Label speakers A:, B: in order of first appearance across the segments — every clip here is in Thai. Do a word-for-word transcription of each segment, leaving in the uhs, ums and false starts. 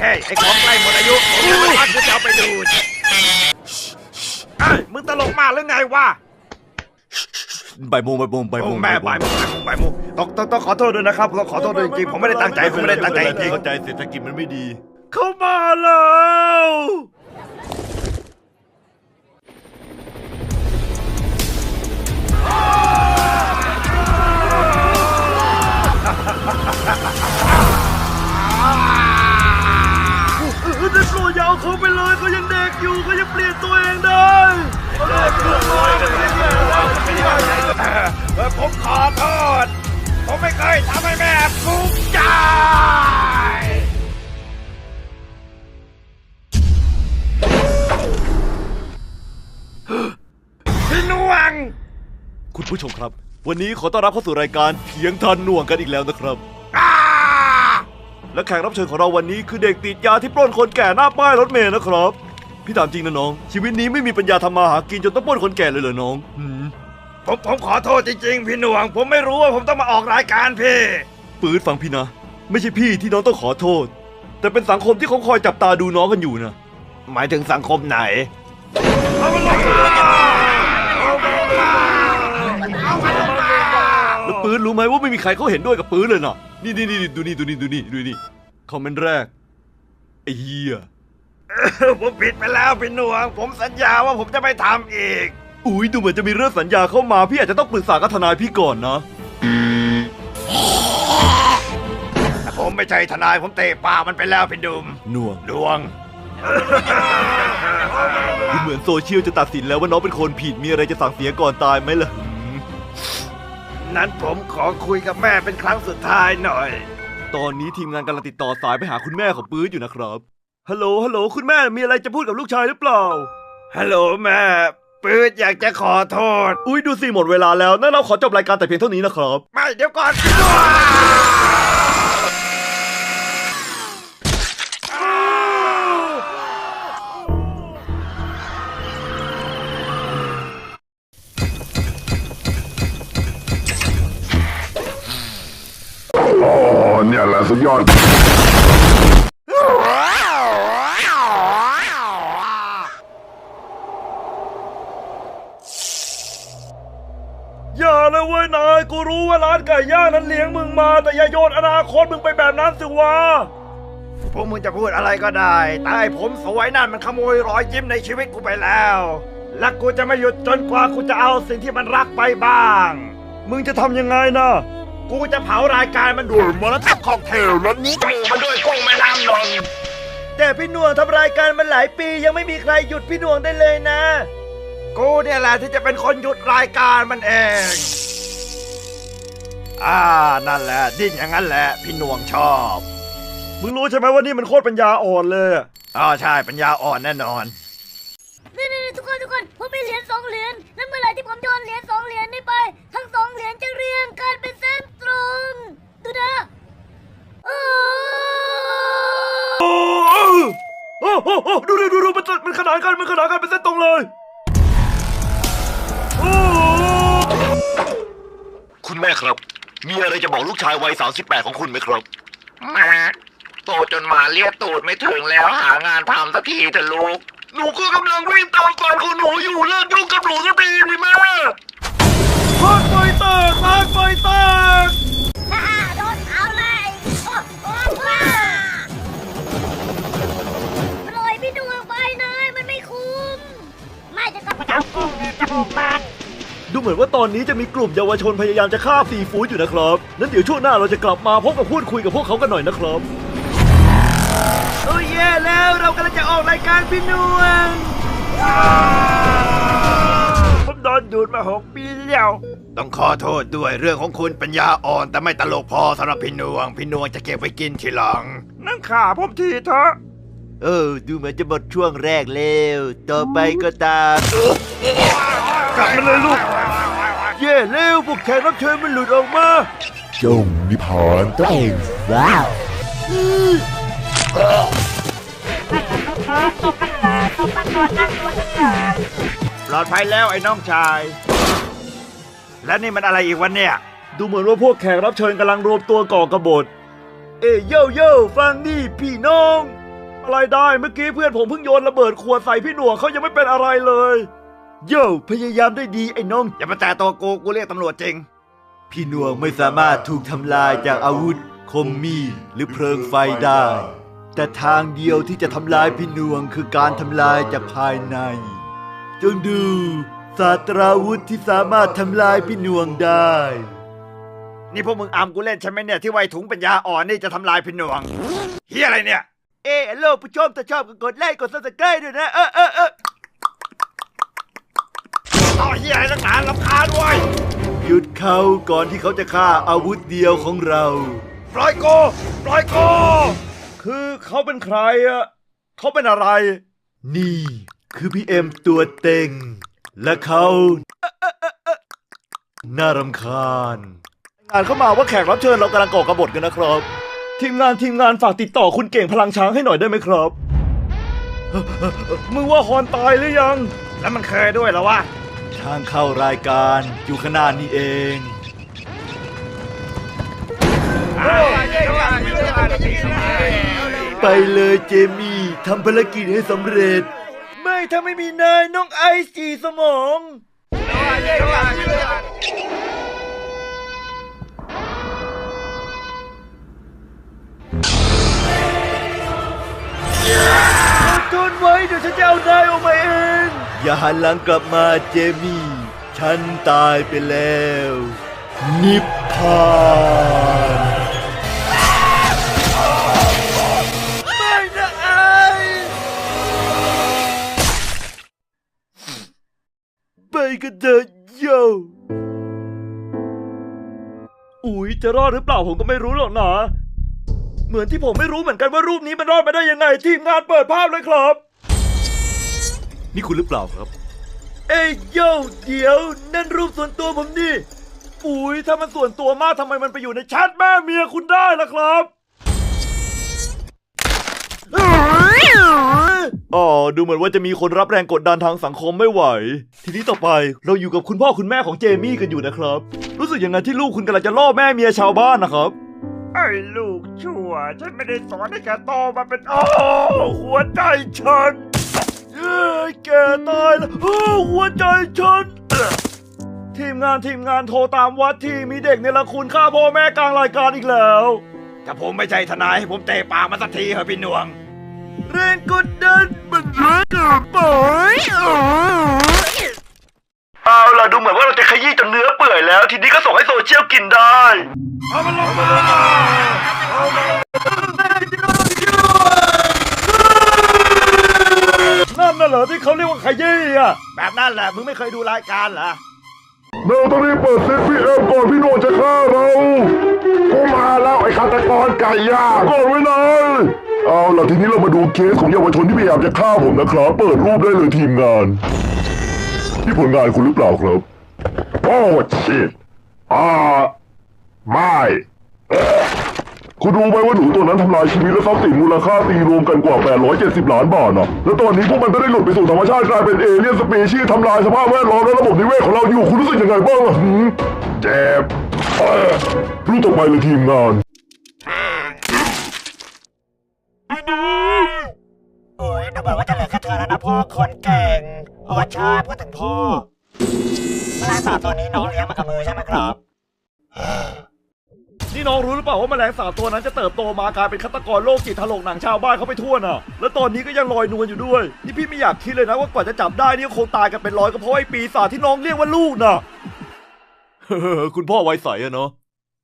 A: เฮ้ยไอ้ของใกล้หมดอายุผมจะมาจะเอาไปดูดเฮ้ยมึงตลกมากหรือไงวะ
B: ใบโมงใบโมงใบโมง
A: แม่ใบโมงใบโมงต้องต้องต้องขอโทษด้วยนะครับต้องขอโทษด้วยจริงๆผมไม่ได้ตั้งใจผมไม่ได้ตั้งใจจริง
B: เข้าใจเศรษฐกิจมันไม่ดี
A: เข้ามาแล้วเด็กโปรดอย่าเอาเขาไปเลยเขายังเด็กอยู่เขายังเปลี่ยนตัวเองได้ผมขอโทษผมไม่เคยทำให้แม่ภูมิใจพี่นวง
B: คุณผู้ชมครับวันนี้ขอต้อนรับเข้าสู่รายการเถียงทันหน่วงกันอีกแล้วนะครับและแขกรับเชิญของเราวันนี้คือเด็กติดยาที่ปล้นคนแก่หน้าป้ายรถเมล์นะครับพี่ถามจริงนะน้องชีวิตนี้ไม่มีปัญญาทำมาหากินจนต้องปล้นคนแก่เลยเหรอน้อง
A: ผมผมขอโทษจริงๆพี่หน่วงผมไม่รู้ว่าผมต้องมาออกรายการพี่
B: ปื๊ดฟังพี่นะไม่ใช่พี่ที่น้องต้องขอโทษแต่เป็นสังคมที่เขาคอยจับตาดูน้องกันอยู่นะ
A: หมายถึงสังคมไหนเอามันลงมา
B: แล้วปื๊ดรู้ไหมว่าไม่มีใครเขาเห็นด้วยกับปื๊ดเลยนะนี่นี่นี่ดูนี่ดูนี่ดูนี่ดูนี่คอมเมนต์แรกไอ้เหี้ย
A: ผมผิดไปแล้วพี่หน่วงผมสัญญาว่าผมจะไม่ทำอีก
B: อุ้ยดูเหมือนจะมีเรื่องสัญญาเข้ามาพี่อาจจะต้องปรึกษากับทนายพี่ก่อนนะ
A: ผมไม่ใช่ทนายผมเตะปากมันไปแล้วพี่ดุม
B: หน่วง
A: ดวง
B: ดูเหมือนโซเชียลจะตัดสินแล้วว่าน้องเป็นคนผิดมีอะไรจะสั่งเสียก่อนตายไหมล่ะ
A: นั้นผมขอคุยกับแม่เป็นครั้งสุดท้ายหน่อย
B: ตอนนี้ทีมงานกำลังติดต่อสายไปหาคุณแม่ของปื๊ดอยู่นะครับฮัลโหลฮัลโหลคุณแม่มีอะไรจะพูดกับลูกชายหรือเปล่า
A: ฮัลโหลแม่ปื๊ดอยากจะขอโทษ
B: อุ้ยดูสิหมดเวลาแล้วนั่นเราขอจบรายการแต่เพียงเท่านี้นะครับ
A: ไม่เดี๋ยวก่อน
C: โอ้เนี่ยแหละสุดยอด
A: อย่าเลยเว้ยนายกูรู้ว่าร้านไก่ย่างนั้นเลี้ยงมึงมาแต่อย่าโยนอนาคตมึงไปแบบนั้นสิวะพวกมึงจะพูดอะไรก็ได้แต่ผมสวยนั่นมันขโมยรอยยิ้มในชีวิตกูไปแล้วและกูจะไม่หยุดจนกว่ากูจะเอาสิ่งที่มันรักไปบ้างมึงจะทำยังไงนะกูจะเผารายการมันด้วยมอลล์ค็อกเทลรสนี้กูมันด้วยกุ้งแม่น้ำนนแต่พี่หน่วงทำรายการมันหลายปียังไม่มีใครหยุดพี่หน่วงได้เลยนะกูเนี่ยแหละที่จะเป็นคนหยุดรายการมันเองอ่านั่นแหละดิ้นอย่างนั้นแหละพี่หน่วงชอบมึงรู้ใช่ไหมว่านี่มันโคตรปัญญาอ่อนเลยอ๋อใช่ปัญญาอ่อนแน่นอน
D: นี่นี่ทุกคนทุกคนผมมีเหรียญสองเหรียญแล้วเมื่อไหร่ที่ผมโยนเหรียญสองเหรียญนี่ไปทั้งสองเหรียญจะเรียงกันเป็นเส้นตรงดูนะโอ้
A: โอ้โหดูดูดูดูมันมันขนานกันมันขนานกันเป็นเส้นตรงเลย
B: คุณแม่ครับมีอะไรจะบอกลูกชายวัยสามสิบแปดของคุณไหมครับ
E: แม่โตจนมาเลียตูดไม่ถึงแล้วหางานทำสักทีเถอะลูก
B: หนูก็กำลังวิ่งตามก่อนของหนูอยู่เลิกยุ่งกับหนูสักทีดิแม่
A: พาดไฟแตกพาดไฟแตก
D: ฮ่าโดนเอาเลยโอ้โอ้ว้าปล่อยพี่ดวงไปนายมันไม่คุ้มไม่จะกลับมาทำกุ้งจะบุกบ้าน
B: ดูเหมือนว่าตอนนี้จะมีกลุ่มเยาวชนพยายามจะฆ่าซีฟู้ดอยู่นะครับนั้นเดี๋ยวช่วงหน้าเราจะกลับมาพบกับพูดคุยกับพวกเขากันหน่อยนะครับ
A: โอ้ยแย่แล้วเรากำลังจะออกรายการพี่นวงผมโดนดูดมาหกปีแล้วต้องขอโทษด้วยเรื่องของคุณปัญญาอ่อนแต่ไม่ตลกพอสำหรับพี่นวงพี่นวงจะเก็บไว้กินทีหลังนั่นขาผมทีเถอะ
B: เออดูเหมือนจะหมดช่วงแรกแล้วต่อไปก็ตาม
A: กลับมาเลยลูกเย่เร็วพวกแขกรับเชิญมันหลุดออกมา
C: จงนิพานตัวเองว้าว
A: ปลอดภัยแล้วไอ้น้องชายและนี่มันอะไรอีกวันเนี่ย
B: ดูเหมือนว่าพวกแขกรับเชิญกำลังรวมตัวก่อกบฏเอ้ยโยโย่ฟังนี่พี่น้องอะไรได้เมื่อกี้เพื่อนผมเพิ่งโยนระเบิดขวดใส่พี่หนวกเขายังไม่เป็นอะไรเลยโย่พยายามได้ดีไอ้น้อง
A: อย่ามาแตะตัวกูกูเรียกตำรวจจริง
B: พี่หนวกไม่สามารถถูกทำลายจากอาวุธคมมีดหรือเพลิงไฟได้ แต่ทางเดียวที่จะทำลายพี่หนวงคือการทำลายจากภายในจงดูศาสตราวุธที่สามารถทำลายพี่หนวงได้
A: นี่พวกมึงอามกูเล่นใช่ไหมเนี่ยที่ไวถุงปัญญาอ่อนนี่จะทำลายพี่หนวงเฮียอะไรเนี่ย
B: เออโลกผู้ชมถ้าชอบก็กดไลค์กดซับสไครต์ด้วยนะเออเออเออ
A: ต่อเฮียอะไรตั้งนานรำคาญด้วย
B: หยุดเขาก่อนที่เขาจะฆ่าอาวุธเดียวของเรา
A: ปล่อยกูปล่อยกูคือเขาเป็นใครอะเขาเป็นอะไร
B: นี่คือพี่เอ็มตัวเต็ง และเขาน่ารำคาญงานเข้ามาว่าแขกรับเชิญเรากำลังก่อกบฏกันนะครับ ทีมงานทีมงานฝากติดต่อคุณเก่งพลังช้างให้หน่อยได้ไหมครับ มึงว่าฮอนตายหรือยัง
A: แล้วมันเคยด้วยเหรอวะ
B: ทางเข้ารายการอยู่ขางหนาดนี้เอง ไปเลยเจมี่ทำภารกิจให้สำเร็จ ไม่ถ้าไม่มีนายน้องไอซ์จีสมอง ทนไว้เดี๋ยวฉันจะเอานายออกมาเอง อย่าหันหลังกลับมาเจมี่ ฉันตายไปแล้ว นิพพานไม่นะไอไปกันเถอะโยอุ๊ยจะรอดหรือเปล่าผมก็ไม่รู้หรอกนะ เหมือนที่ผมไม่รู้เหมือนกันว่ารูปนี้มันรอดมาได้ยังไงทีมงานเปิดภาพเลยครับ นี่คุณหรือเปล่าครับ เอ้ยโย่เดี๋ยวนั่นรูปส่วนตัวผมนี่ปุ๋ยถ้ามันส่วนตัวมากทำไมมันไปอยู่ในแชทแม่เมียคุณได้ล่ะครับอ๋อดูเหมือนว่าจะมีคนรับแรงกดดันทางสังคมไม่ไหว ทีนี้ต่อไปเราอยู่กับคุณพ่อคุณแม่ของเจมี่กันอยู่นะครับ รู้สึกยังไงที่ลูกคุณกำลังจะล่อแม่เมียชาวบ้านนะครับ
A: ไอ้ลูกชั่วฉันไม่ได้สอนให้แกโตมาเป็นโอ้หัวใจฉันเอ้ยแกตายแล้วโอ้หัวใจฉันทีมงานทีมงานโทรตามวัดที่มีเด็กในละคุณฆ่าพ่อแม่กลางรายการอีกแล้วถ้าผมไม่ใช่ทนายให้ผมเตะปากมาสักทีเหรอพี่หนวงแรงกดดันมันแรงเกินไปเอาล่ะดูเหมือนว่าเราจะขยี้จนเนื้อเปื่อยแล้ว ทีนี้ก็ส่งให้โซเชียลกินได้เอามันลงมาเอามันลงนั่นน่ะเหรอที่เขาเรียกว่าขยี้อ่ะแบบนั้นแหละมึงไม่เคยดูรายการเหรอ
C: เราต้องรีบเปิดเซฟพีเอ็มก่อนพี่โนจะฆ่าเรากูมาแล้วไอ้ฆาตกรไก่ย่างก่อนไว้หน่อยเอาล่ะทีนี้เรามาดูเคสของเยาวชนที่พยายามจะฆ่าผมนะครับ เปิดรูปได้เลยทีมงานที่ผลงานคุณหรือเปล่าครับโอ้ชิตอ่าไม่เอ๊ะคุณรู้ไหมว่าหนูตัวนั้นทำลายชีวิตและทรัพย์สินมูลค่าตีรวมกันกว่าแปดร้อยเจ็ดสิบล้านบาทนะแล้วตอนนี้พวกมันก็ได้หลุดไปสู่ธรรมชาติกลายเป็นเอเลี่ยนสปีชีส์ทำลายสภาพแวดล้อมและระบบนิเวศของเราอยู่คุณรู้สึกยังไงบ้างล่ะหืมเจ็บเอ้อรูปต่อไปเลยทีมงาน
F: โอ้ยดูเหมือนว่าจะเหลือแค่เธอแล้วนะพ่อคนเก่งโอ้ใช่พูดถึงพ่อแมลงสาบตัวนี้น้องเลี้ยงมากับมือใช่ไหมครับ
B: นี่น้องรู้หรือเปล่าว่าแมลงสาบตัวนั้นจะเติบโตมากลายเป็นฆาตกรโรคจิตถลกหนังชาวบ้านเขาไปทั่วน่ะ แล้วตอนนี้ก็ยังลอยนวลอยู่ด้วย นี่พี่ไม่อยากคิดเลยนะว่ากว่าจะจับได้นี่คงตายกันเป็นร้อยก็เพราะไอ้ปีศาจที่น้องเรียกว่าลูกน่ะ คุณพ่อไว้ใสอะเนาะ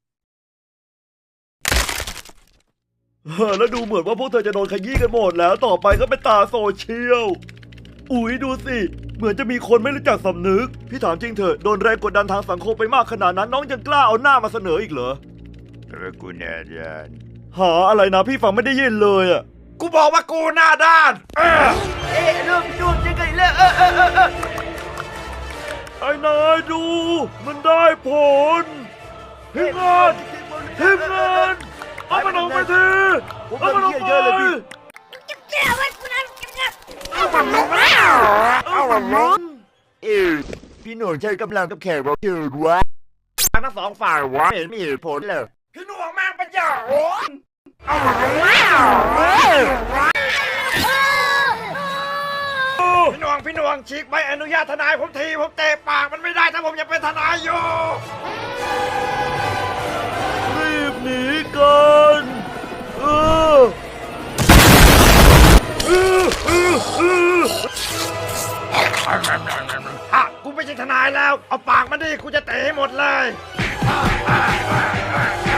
B: แล้วดูเหมือนว่าพวกเธอจะโดนขยี้กันหมดแล้วต่อไปก็เป็นตาโซเชียล อุ๊ยดูสิเหมือนจะมีคนไม่รู้จักสำนึกพี่ถามจริงเถอะโดนแรงกดดันทางสังคมไปมากขนาดนั้นน้องยังกล้าเอาหน้ามาเสนออีกเหรอ
A: เออกูแน่ด้าน
B: หาอะไรนะพี่ฟังไม่ได้ยินเลยอ่ะ
A: กูบอกว่ากูหน้าด้านเออ
B: เอ๊ะเริ่มดูยังไงแล้วเออเออเออเออไอ้นายดู มันได้ผลทีมงานทีมงานเอามันออกไปทีเอามันออกไป
D: แกไว้กูนะแก
A: เอามันลงแล้วเอามันลง
C: เออพี่หนุ่มใช้กำลังกับแขกรับเชิญวะ
A: ทั้งสองฝ่ายวะ
C: ไม่เห็นมีเหตุผลเลย
A: พี่หนุ่มแม่งเป็นยาโหนเอามันลงแล้วต้องฉีกใบอนุญาตทนายผมทีผมเตะปากมันไม่ได้ถ้าผมยังเป็นทนายอยู่
B: รีบหนีกันเออเออเออเออ
A: ฮะกูไม่ใช่ทนายแล้ว เอาปากมาดิกูจะเตะให้หมดเลย